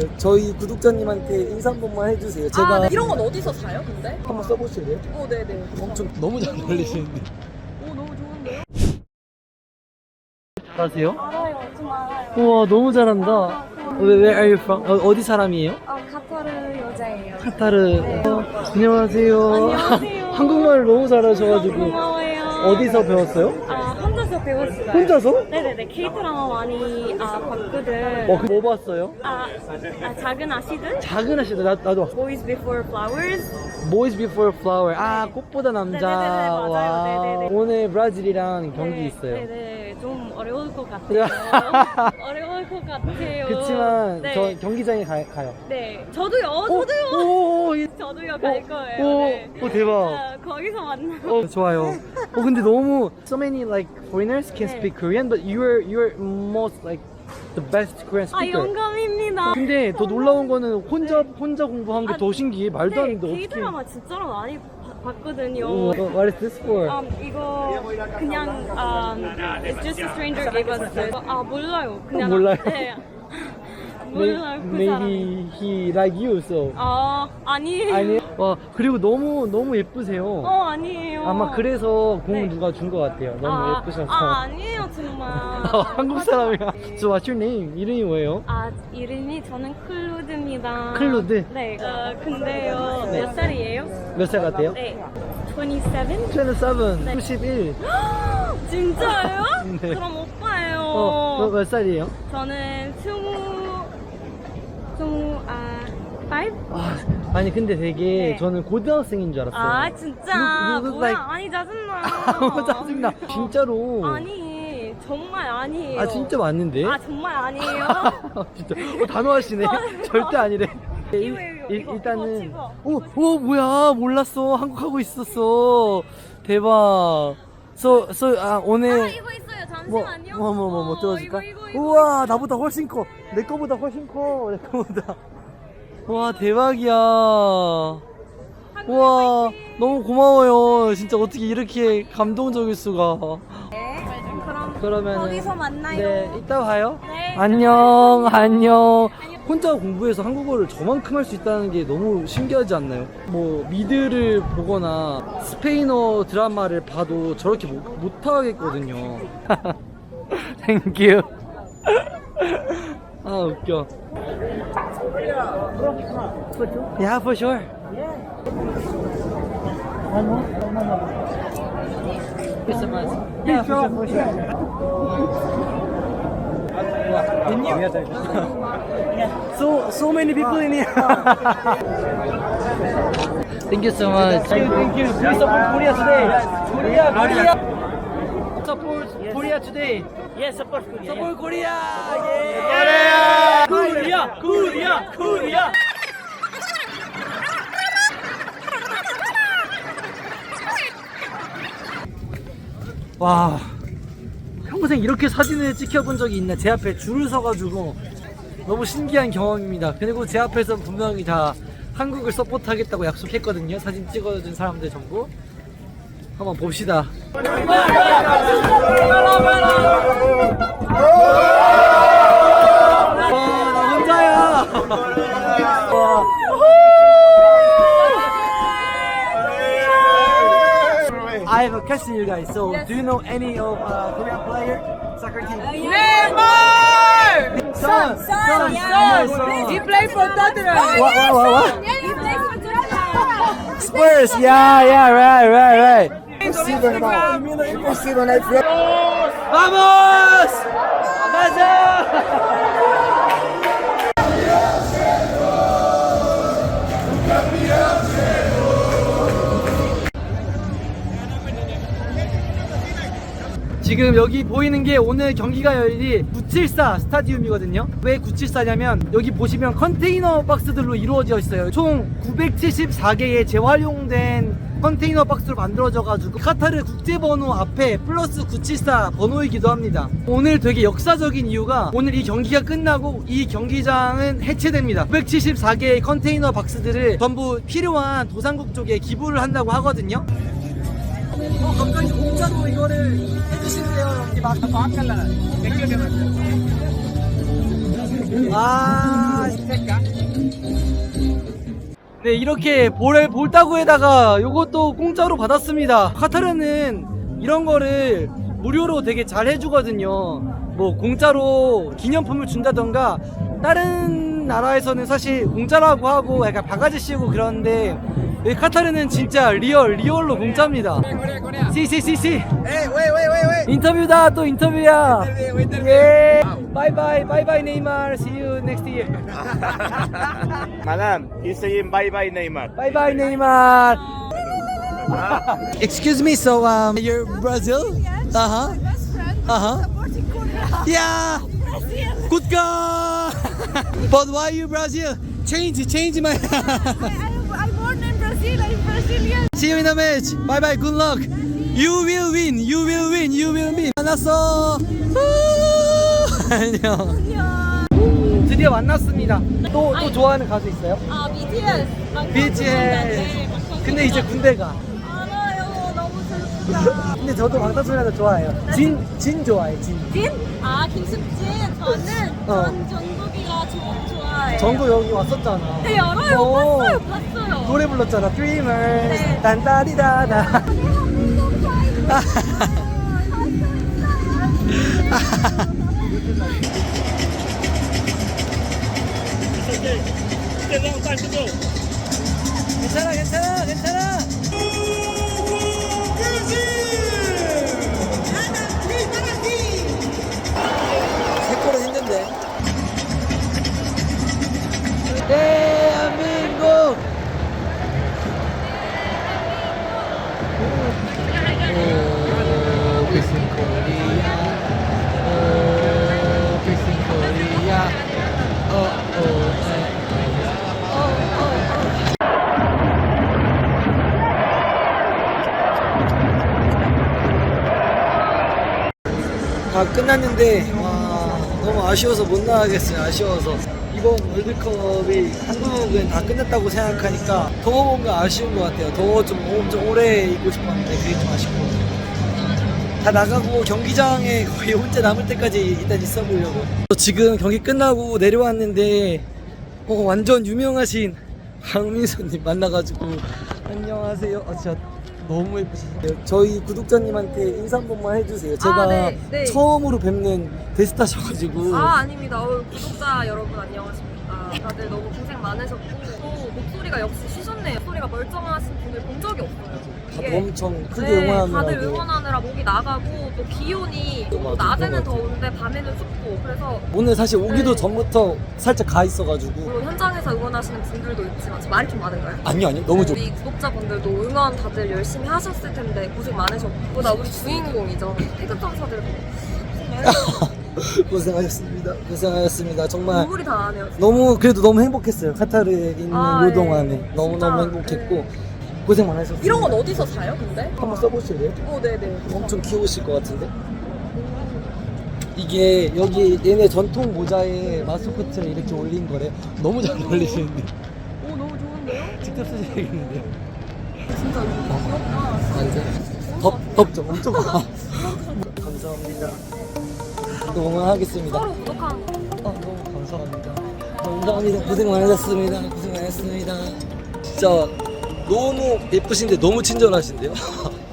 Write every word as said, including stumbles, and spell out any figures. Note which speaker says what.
Speaker 1: 저희 구독자님한테 인사 한 번만 해주세요. 제가
Speaker 2: 아, 네. 이런 건 어디서 사요, 근데?
Speaker 1: 한번 써보실래요?
Speaker 2: 오, 네네.
Speaker 1: 엄청 너무 잘 어울리시는데.
Speaker 2: 오, 너무 좋은데요?
Speaker 1: 잘하세요?
Speaker 3: 알아요, 좀 알아요.
Speaker 1: 우와 너무 잘한다. Where, where are you from? 어, 어디 사람이에요?
Speaker 3: 아, 카타르 여자예요.
Speaker 1: 카타르. 어, 안녕하세요.
Speaker 3: 안녕하세요.
Speaker 1: 한국말 너무 잘하셔가지고.
Speaker 3: 고마워요.
Speaker 1: 어디서 배웠어요?
Speaker 3: 아, 혼자서 배웠어요.
Speaker 1: 혼자서?
Speaker 3: 네네네, K-드라마 많이 아, 봤거든.
Speaker 1: 어, 그 뭐 봤어요?
Speaker 3: 아, 아, 작은 아씨들?
Speaker 1: 작은 아씨들 나, 나도 봤어.
Speaker 3: Boys Before Flowers?
Speaker 1: Boys Before Flower. 아, 꽃보다 남자.
Speaker 3: 네네네네, 맞아요.
Speaker 1: 와.
Speaker 3: 네네네.
Speaker 1: 오늘 브라질이랑 경기
Speaker 3: 네,
Speaker 1: 있어요.
Speaker 3: 네네, 좀 어려울 것 같아요. 어려울 것 같아요.
Speaker 1: 그치만
Speaker 3: 네.
Speaker 1: 저 경기장에 가, 가요.
Speaker 3: 네, 저도요,
Speaker 1: 오,
Speaker 3: 저도요.
Speaker 1: 오, 오, 이-
Speaker 3: 저도요, 갈
Speaker 1: 오,
Speaker 3: 거예요.
Speaker 1: 오,
Speaker 3: 네.
Speaker 1: 오, 대박.
Speaker 3: 아, 거기서 만나요.
Speaker 1: 어, 좋아요. 어, 근데 너무 so many like foreigners can
Speaker 3: 네.
Speaker 1: speak Korean, but you're you're most like the best Korean
Speaker 3: 아,
Speaker 1: speaker.
Speaker 3: 영감입니다.
Speaker 1: 근데 더 놀라운 거는 혼자 혼자 공부한 게
Speaker 3: 아,
Speaker 1: 더 신기해. 말도 안
Speaker 3: 네,
Speaker 1: 되는데 어떻게?
Speaker 3: K-드라마 진짜로 많이 봐- 봤거든요.
Speaker 1: 오, what is this for?
Speaker 3: 음, 이거 그냥 um, It's just a stranger gave us this. 아, 몰라요. 그냥
Speaker 1: 몰라요?
Speaker 3: 네. 몰라요. 그
Speaker 1: Maybe
Speaker 3: 사람.
Speaker 1: he like you, so.
Speaker 3: 아, 아니에요.
Speaker 1: 아니, 와 그리고 너무 너무 예쁘세요.
Speaker 3: 어, 아니에요.
Speaker 1: 아마 그래서 공을
Speaker 3: 네.
Speaker 1: 누가 준 것 같아요. 너무
Speaker 3: 아,
Speaker 1: 예쁘셔서.
Speaker 3: 아, 아니에요, 정말.
Speaker 1: 한국 사람이야. So what's your name? 이름이 뭐예요?
Speaker 3: 아, 이름이 저는 클루드입니다.
Speaker 1: 클루드?
Speaker 3: 네. 어, 근데요, 몇 살이에요?
Speaker 1: 몇 살 같아요?
Speaker 3: 네. 이십칠?
Speaker 1: 이십칠,
Speaker 3: 네.
Speaker 1: 구십일.
Speaker 3: 진짜요?
Speaker 1: 네.
Speaker 3: 그럼 오빠예요.
Speaker 1: 어, 너 몇 살이에요?
Speaker 3: 저는 스무, 스무, 아, five?
Speaker 1: 아, 아니 근데 되게
Speaker 3: 네.
Speaker 1: 저는 고등학생인 줄 알았어요.
Speaker 3: 아, 진짜.
Speaker 1: You- you look
Speaker 3: 뭐야?
Speaker 1: like-
Speaker 3: 아니, 짜증나.
Speaker 1: 너무 짜증나. 진짜로.
Speaker 3: 아니, 정말 아니에요.
Speaker 1: 아 진짜 맞는데?
Speaker 3: 아, 정말 아니에요.
Speaker 1: 진짜. 어, 단호하시네. 절대 아니래.
Speaker 3: 이거,
Speaker 1: 일-
Speaker 3: 이거,
Speaker 1: 일-
Speaker 3: 이거,
Speaker 1: 일단은
Speaker 3: 이거
Speaker 1: 오, 오 뭐야 몰랐어. 한국 하고 있었어. 대박. So, so, 아, 오늘
Speaker 3: 아, 이거 있어요.
Speaker 1: 뭐,
Speaker 3: 잠시만요.
Speaker 1: 뭐, 뭐, 뭐, 뭐
Speaker 3: 어,
Speaker 1: 들어줄까?
Speaker 3: 이거, 이거, 이거.
Speaker 1: 우와, 나보다 훨씬 커. 내 거보다 훨씬 커. 내 거보다. 와, 대박이야. 우와, 너무 고마워요. 진짜 어떻게 이렇게 감동적일 수가.
Speaker 3: 네, 그럼
Speaker 1: 그러면
Speaker 3: 거기서 만나요.
Speaker 1: 네, 이따 봐요.
Speaker 3: 네.
Speaker 1: 안녕, 안녕. 혼자 공부해서 한국어를 저만큼 할 수 있다는 게 너무 신기하지 않나요? 뭐 미드를 보거나 스페인어 드라마를 봐도 저렇게 못, 못하겠거든요. 땡큐. 아 웃겨. Yeah, for sure. Thank you so much. Yeah, for sure, for sure. So so many people in here. Thank you so much. Thank you, thank you. Please support Korea today. Korea, Korea. Support Korea today.
Speaker 4: Yes, support Korea.
Speaker 1: Support Korea. Yeah.
Speaker 4: Korea, Korea, Korea.
Speaker 1: 와, 평생 이렇게 사진을 찍혀본 적이 있나? 제 앞에 줄을 서가지고 너무 신기한 경험입니다. 그리고 제 앞에서 분명히 다 한국을 서포트하겠다고 약속했거든요. 사진 찍어준 사람들 전부. 한번 봅시다. 와, 나 혼자야. 와. I have a question, you guys. So, do you know any of uh, Korean player soccer team?
Speaker 2: Neymar!
Speaker 1: Son, son,
Speaker 2: Son!
Speaker 1: son.
Speaker 2: He played for Tottenham!
Speaker 1: What, what, what, what?
Speaker 2: Yeah, he plays for Tottenham!
Speaker 1: Spurs. Yeah, yeah, right, right, right.
Speaker 2: Impossível, irmão!
Speaker 1: Impossible, né? Vamos! Gaza! 지금 여기 보이는 게 오늘 경기가 열릴 구칠사 스타디움이거든요. 왜 구칠사냐면 여기 보시면 컨테이너 박스들로 이루어져 있어요. 총 구백칠십사 개의 재활용된 컨테이너 박스로 만들어져 가지고 카타르 국제번호 앞에 플러스 구칠사 번호이기도 합니다. 오늘 되게 역사적인 이유가 오늘 이 경기가 끝나고 이 경기장은 해체됩니다. 구백칠십사 개의 컨테이너 박스들을 전부 필요한 도상국 쪽에 기부를 한다고 하거든요. 어, 갑자기 공짜로 이거를 해주신대요. 아, 네, 이렇게 볼, 볼따구에다가 요것도 공짜로 받았습니다. 카타르는 이런 거를 무료로 되게 잘 해주거든요. 뭐 공짜로 기념품을 준다던가, 다른 나라에서는 사실 공짜라고 하고 약간 바가지 씌우고 그러는데 여기 카타르는 진짜 리얼 리얼로 공짜입니다. 시시시시 인터뷰다. 또 인터뷰야. 예. 바이바이 바이바이 네이마르. See you next year.
Speaker 5: Madam, he's saying bye bye Neymar.
Speaker 1: 바이바이 네이마르. Excuse me, so um you're Brazil?
Speaker 2: Yes,
Speaker 1: Uh-huh.
Speaker 2: my best friend
Speaker 1: Uh-huh.
Speaker 2: supporting Korea.
Speaker 1: Yeah.
Speaker 2: Brazil.
Speaker 1: Good girl. But why you Brazil? Change change my
Speaker 2: I, I, I'm born in Brazil. I'm Brazilian.
Speaker 1: See you in the match. Bye bye. Good luck. You will win. You will win. You will win. 만났어. 안녕.
Speaker 2: 안녕.
Speaker 1: 드디어 만났습니다. 또 또 좋아하는 가수 있어요?
Speaker 3: 아, 비티에스.
Speaker 1: 비티에스. 근데 이제 군대 가.
Speaker 3: 알아요. 너무 슬프다.
Speaker 1: 근데 저도 방탄소년단 좋아해요. 진, 진 좋아해. 진.
Speaker 3: 진? 아, 김숙진. 저는
Speaker 1: 어.
Speaker 3: 전 정국이가 저 좋아해요.
Speaker 1: 정도 여기 왔었잖아.
Speaker 3: 네, 알아요.
Speaker 1: 어.
Speaker 3: 봤어요. 봤어요.
Speaker 1: 노래 불렀잖아. Dreamers.
Speaker 3: 네.
Speaker 1: 딴따리다다. 괜찮아, 괜찮아, 괜찮아. 색깔은 힘든데. 대한민국. 오, 비스 코리아. 오, 비스 코리아. 어, 어, 다 끝났는데 와 너무 아쉬워서 못 나가겠어요. 아쉬워서 이번 월드컵이 한국은 다 끝났다고 생각하니까 더 뭔가 아쉬운 것 같아요. 더 좀 엄청 오래 있고 싶었는데 그게 좀 아쉽고 다 나가고 경기장에 거의 혼자 남을 때까지 일단 있어 보려고. 지금 경기 끝나고 내려왔는데 어, 완전 유명하신 강민수님 만나가지고 안녕하세요. 어, 진짜 너무 예쁘시네요. 저희 구독자님한테 인사 한 번만 해주세요. 제가
Speaker 2: 아, 네, 네.
Speaker 1: 처음으로 뵙는 데스타셔가지고.
Speaker 2: 아 아닙니다. 어, 구독자 여러분 안녕하십니까. 다들 너무 고생 많으셨고 또 목소리가 역시 쉬셨네요. 목소리가 멀쩡하신 분을 본 적이 없어요.
Speaker 1: 다들
Speaker 2: 이게
Speaker 1: 엄청 크게
Speaker 2: 네,
Speaker 1: 응원하느라고.
Speaker 2: 다들 응원하느라 목이 나가고 또 기온이 또
Speaker 1: 맞아,
Speaker 2: 낮에는
Speaker 1: 그런 것
Speaker 2: 더운데 밤에는 춥고 그래서
Speaker 1: 오늘 사실 오기도
Speaker 2: 네.
Speaker 1: 전부터 살짝 가 있어가지고.
Speaker 2: 물론 현장에서 응원하시는 분들도 있지만 저 말이 좀 많은가요?
Speaker 1: 아니요 아니요 너무 좋.
Speaker 2: 우리 구독자분들도 응원 다들 열심히 하셨을 텐데 고생 많으셨고 나 우리 주인공이죠. 태극전사들
Speaker 1: 고생하셨습니다. 고생하셨습니다. 정말
Speaker 2: 눈물이 다 나네요.
Speaker 1: 너무 그래도 너무 행복했어요. 카타르에 있는
Speaker 2: 아,
Speaker 1: 요
Speaker 2: 예.
Speaker 1: 동안에 너무 너무
Speaker 2: 진짜,
Speaker 1: 행복했고 고생 많으셨어요.
Speaker 2: 이런 건 어디서 사요 근데?
Speaker 1: 한번 써보실래요?
Speaker 2: 어 네네.
Speaker 1: 엄청 귀여우실 것 같은데. 이게 여기 얘네 전통 모자에 마스코트를 이렇게 올린 거래. 너무 잘 어울리시는데.
Speaker 2: 오 너무 좋은데요?
Speaker 1: 직접 쓰셔야겠는데요.
Speaker 2: 진짜 귀엽다.
Speaker 1: 완전 덥 덥죠. 엄청 덥. 감사합니다. 또 응원하겠습니다.
Speaker 2: 서로 구독한
Speaker 1: 아, 너무 감사합니다. 감사합니다. 고생 많으셨습니다. 고생 많으셨습니다. 진짜 너무 예쁘신데 너무 친절하신데요.